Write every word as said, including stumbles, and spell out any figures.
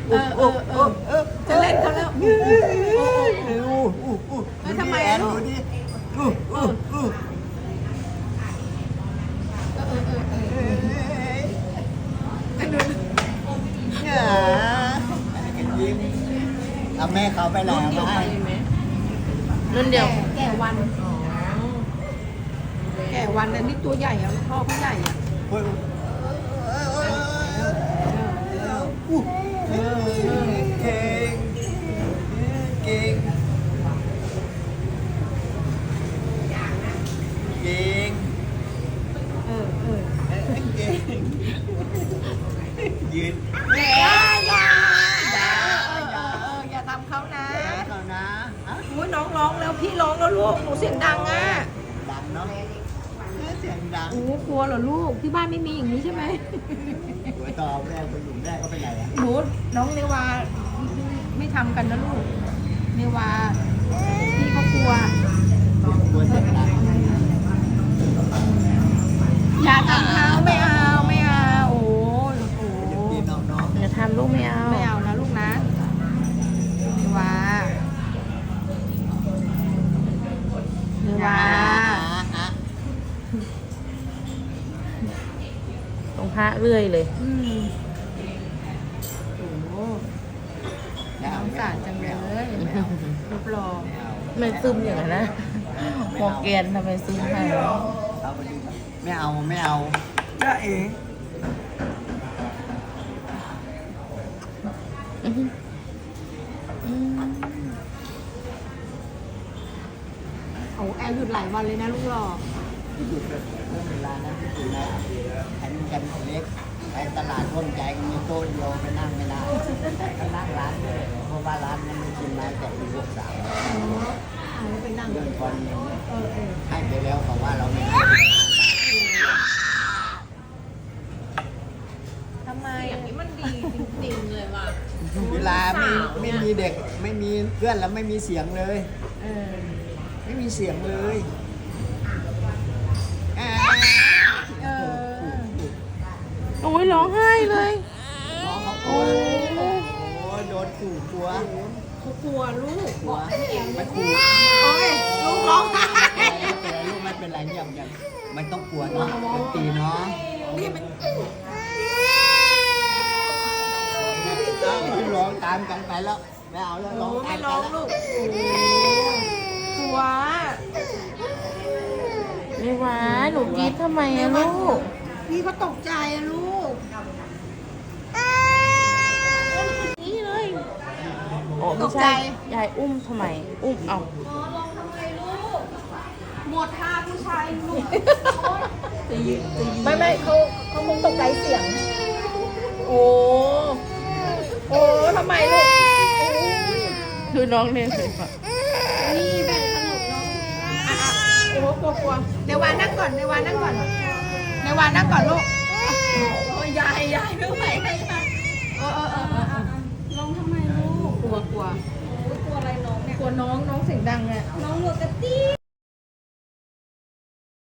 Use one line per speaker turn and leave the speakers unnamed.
เออเออเออเออจะเล่นเขาแล้วโอ้โหแล้วทำไมลูกเออเออเออเออเออ
เอาแม่เขาไปแล้วไหม
รุ่นเดียว
แก่วันแก่วันอันนี้ตัวใหญ่อะพ่อเขาใหญ่อะ
เก่งเก่งเก่ง
เออเออ
เก่งยืน
อย่าอย่าอย่าเออเอออย่าทำเขานะ
เขานะ
อุ้ยน้องร้องแล้วพี่ร้องแล้วลูกหนูเสียงดังอ่ะ
ดังเนาะเสียงดัง
โอ้กลัวเหรอลูกที่บ้านไม่มีอย่างนี้ใช่ไหม
หัวต่อแม่ไปอยู่แม่ก็ไปไหนอ่ะ
หนูน้องเนวาไม่ทำกันนะลูกเนวาพี่เขากลัว
กลัวเสียงดัง
อย่าทำเขาไม่เอาไม่เอาโอ้ยโอ้
พี่น้องๆ
อย่าทำลูกไม่เอา
ไม่เอานะลูกนะเนวาเนวา
ตรงพระเรื่อยเลย
อืมโอ้น่าสงสารจังเลยไม่เอารูปหล่อ
ไม่ซึมอย่างนั้นนะหมอแกนทำไมซึมให้
ไม่เอาไม่เอา
จ้าเอ๋
อื้อหืออืม
โอ้แอลหยุดหลายวันเลยนะลูกหล่อ
หยุดเลยเรื่องเวลานั้นที่อยู่นะไอ้นี่กันเล็กไปตลาดร่วมใจกันมีโต๊ะเดียวไปนั่งไม่ได้ไปนั่งร้านเลยเพราะว่าร้านนั้นมันกินไม้แต่ปีหกสาม
เอาไปนั่ง
เรื่องคน
เออเออ
ให้ไปแล้วเพราะว่าเราไม่ได้
ทำไมอย่างนี้มันดีจริงๆเลยว่ะ
เวลาไม่ไม่มีเด็กไม่มีเพื่อนแล้วไม่มีเสียงเลย
เออ
ไม่มีเสียงเลยอ่า
เออ
โอ้ยร้องไห้เลย
น้องเขากลัวโอ้โดนขู่กลัว
เขากลัวลูก
กลัวไม่ขู่
โอ้ยลูกร้องไห้
ลูกไม่เป็นไรเยี่ยมยังไม่ต้องกลัวเนาะดนตรีเนาะ
นี่มัน
เอาร้องตามกันไปแล้วไม่เอาแล้วร้อง
โอ้
ตา
ไม่
ม
ร้อง
กัน
ลูกกลัว
ไม่หวาหนูกรีดทำไมอะลูก
พี่เขาตกใจอะลูก
นี่เลยโอ้ไม่ใช่ยายอุ้มทำไม อุ้มเอา
หมดท่าผู้ชายลูก
ไม่ไม่เขาเขาคงตกใจเสียง โอ้โอ้ทำไมลูกดูน้องเล่นเลยค่ะ
นี่แม่สนุกเนาะอ่ะอ่ะโอ้กลัวกลัวเนวานั่งก่อนเนวานั่งก่อนเนวานั่งก่อนลูกโอ้ยยายยายไม่ไหวเลยค่ะเออเออเออเออเออร้องทำไมลูกกลัวกลัวกลัวอะไรน้องเนี่ยกลัวน้องน้องเสียงดังอ่ะน้องหนูกระตี้